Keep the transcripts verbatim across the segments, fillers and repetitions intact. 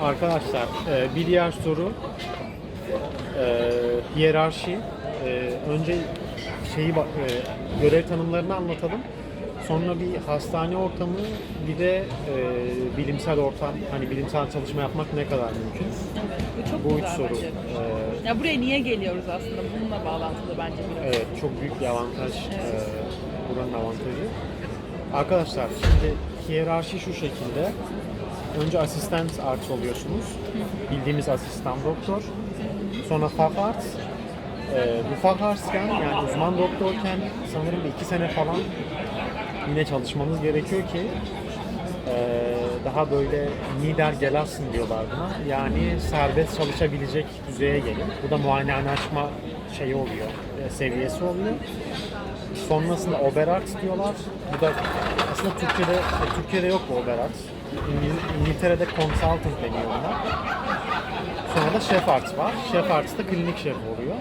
Arkadaşlar e, bir diğer soru e, hiyerarşi. E, önce şeyi bak- e, görev tanımlarını anlatalım. Sonra bir hastane ortamı, bir de e, bilimsel ortam, hani bilimsel çalışma yapmak ne kadar mümkün? Evet, bu çok Bu üç güzel soru. bence. E, Ya buraya niye geliyoruz aslında? Bununla bağlantılı bence biraz. evet, çok büyük bir avantaj. Evet. E, buranın avantajı. Arkadaşlar şimdi hiyerarşi şu şekilde. Önce asistan arts oluyorsunuz. Bildiğimiz asistan doktor. Sonra fach arts. Ee, bu fach artsken, yani uzman doktorken sanırım bir iki sene falan yine çalışmanız gerekiyor ki ee, daha böyle Niedergelassen diyorlar buna. Yani serbest çalışabilecek düzeye gelin. Bu da muayenehane açma şeyi oluyor, e, seviyesi oluyor. Sonrasında Oberarzt diyorlar. Bu da aslında Türkiye'de e, Türkiye'de yok bu Oberarzt. İngil- İngiltere'de consultant deniyor ona. Sonra da Chef Arts var. Chef Arts da klinik şef oluyor.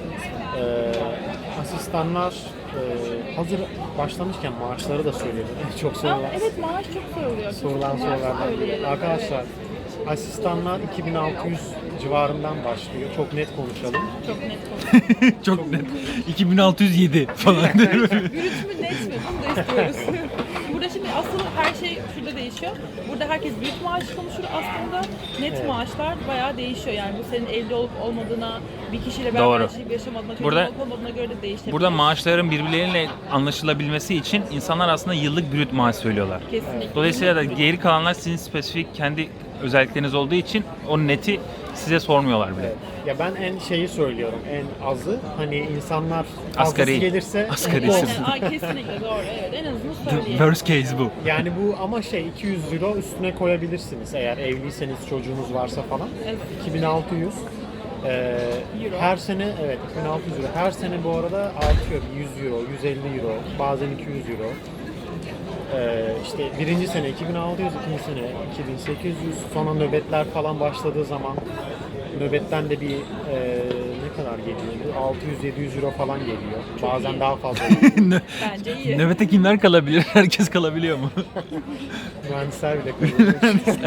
Ee, asistanlar e, hazır başlamışken maaşları da söyleyelim. Çok Aa, sorulan, evet maaş çok soruluyor. Çok sorulan maaş sorulardan biri. söyleyelim. Arkadaşlar asistanlar iki bin altı yüz civarından başlıyor. Çok net konuşalım. Evet, çok net konuşuyor. Çok net. iki bin altı yüz yedi falan. Brüt mü net mi? Bunu da istiyoruz. Burada şimdi asıl her şey şurada değişiyor. Burada herkes brüt maaş konuşur aslında. Net Evet. maaşlar bayağı değişiyor. Yani bu senin evli olup olmadığına, bir kişiyle Doğru. beraber yaşayıp yaşamadığına, çocuğun Burada- olup olmadığına göre de değişebilir. Burada maaşların birbirleriyle anlaşılabilmesi için insanlar aslında yıllık brüt maaş söylüyorlar. Kesinlikle. Dolayısıyla da Brüt. geri kalanlar sizin spesifik kendi özellikleriniz olduğu için o neti size sormuyorlar bile. Evet. Ya ben en şeyi söylüyorum, en azı. Hani insanlar fazlası Asgari. gelirse Asgari. mutlu Aynen, olsun. aa, kesinlikle doğru. Evet, en azından The söyleyelim. worst case bu. Yani bu ama şey iki yüz euro üstüne koyabilirsiniz eğer evliyseniz, çocuğunuz varsa falan. Evet. iki bin altı yüz. Ee, Euro. her sene evet iki bin altı yüz euro. Her sene bu arada artıyor. yüz euro, yüz elli euro, bazen iki yüz euro. Ee, işte birinci sene iki bin altı yüz, ikinci sene iki bin sekiz yüz. Sonra nöbetler falan başladığı zaman nöbetten de bir e, ne kadar geliyor? altı yüz yedi yüz euro falan geliyor. Çok Bazen iyi. daha fazla. Bence iyi. Nöbete kimler kalabilir? Herkes kalabiliyor mu? Mühendisler bile kalıyor.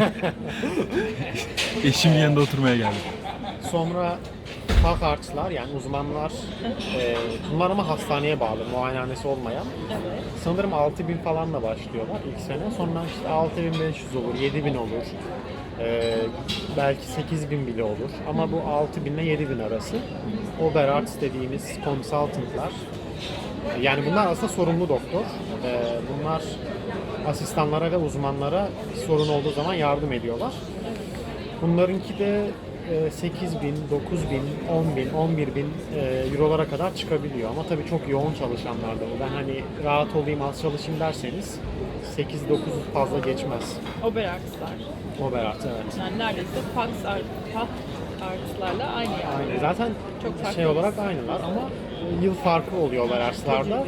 Eşimin yanında oturmaya geldim. Sonra fach artslar, yani uzmanlar, e, bunlar ama hastaneye bağlı, muayenehanesi olmayan. Evet. Sanırım altı bin falanla başlıyorlar ilk sene. Sonra işte altı bin beş yüz olur, yedi bin olur. E, belki sekiz bin bile olur. Ama bu altı bin ile yedi bin arası. Oberarzt dediğimiz consultantlar. E, Yani bunlar aslında sorumlu doktor. E, bunlar asistanlara ve uzmanlara bir sorun olduğu zaman yardım ediyorlar. Bunlarınki de e, sekiz bin, dokuz bin, on bin, on bir bin e, eurolara kadar çıkabiliyor. Ama tabii çok yoğun çalışanlar da bu. Ben hani rahat olayım, az çalışayım derseniz sekiz dokuz fazla geçmez. Oberartslar. Oberarzt, evet. Yani neredeyse fax art, fax artslarla aynı yani. Aynı. Zaten Çok farklı. şey olarak aynılar ama yıl farkı oluyor Oberarst'larda.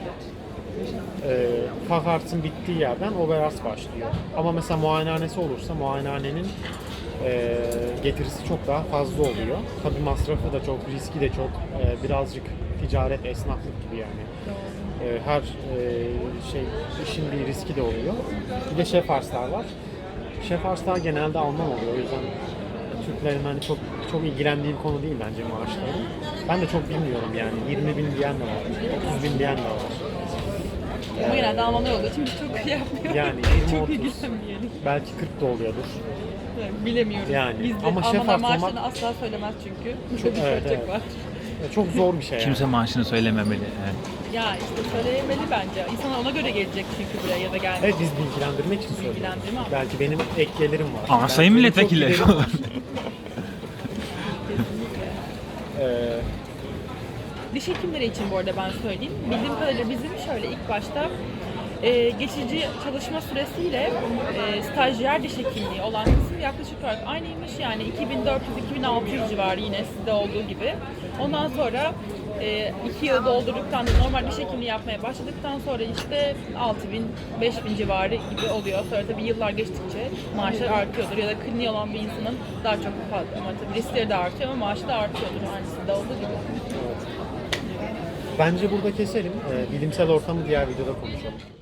E, Fach Arts'ın bittiği yerden Oberarzt başlıyor. Ama mesela muayenehanesi olursa muayenehanenin e, getirisi çok daha fazla oluyor. Tabii masrafı da çok, riski de çok. E, birazcık ticaret, esnaflık gibi yani. E, her e, şey işin bir riski de oluyor. Bir de Chef Arts'lar var. Chef Arts'lar genelde Alman oluyor. O yüzden Türklerin hani çok çok ilgilendiği bir konu değil bence maaşları. Ben de çok bilmiyorum yani. yirmi bin diyen de var, otuz bin diyen de var. Ama genelde Almanlar olduğu için biz çok şey yapmıyoruz. Yani yirmi çok otuz. ilgilenmeyelim. Belki kırk da oluyordur. Yani bilemiyoruz. Yani. Biz de Ama şef Almanlar arts olmak- maaşlarını asla söylemez çünkü. Çok- bir evet, ölçek evet. var. Çok zor bir şey yani. Kimse maaşını söylememeli. Evet. Ya işte söyleyemeli bence. İnsanlar ona göre gelecek çünkü buraya ya da gelmek. Evet, biz bilgilendirmek için söylüyoruz. Bilgilendirme ama. Belki benim ek gelirim var. Ama Belki sayın benim milletvekili. çok giderim var. Kesinlikle. Ee, Diş hekimleri için bu arada ben söyleyeyim. Bildiğim kadarıyla bizim şöyle ilk başta e, geçici çalışma süresiyle e, stajyer diş hekimliği olan kısım yaklaşık olarak aynıymış. Yani iki bin dört yüz iki bin altı yüz civarı yine sizde olduğu gibi. Ondan sonra e, iki yılı doldurduktan, normal diş hekimliği yapmaya başladıktan sonra işte altı bin, beş bin civarı gibi oluyor. Sonra tabii yıllar geçtikçe maaşlar artıyordur ya da kliniği olan bir insanın daha çok fazla ama tabii riskleri de artıyor ama maaşı da artıyordur yani sizde olduğu gibi. Bence burada keselim. Ee, bilimsel ortamı diğer videoda konuşalım.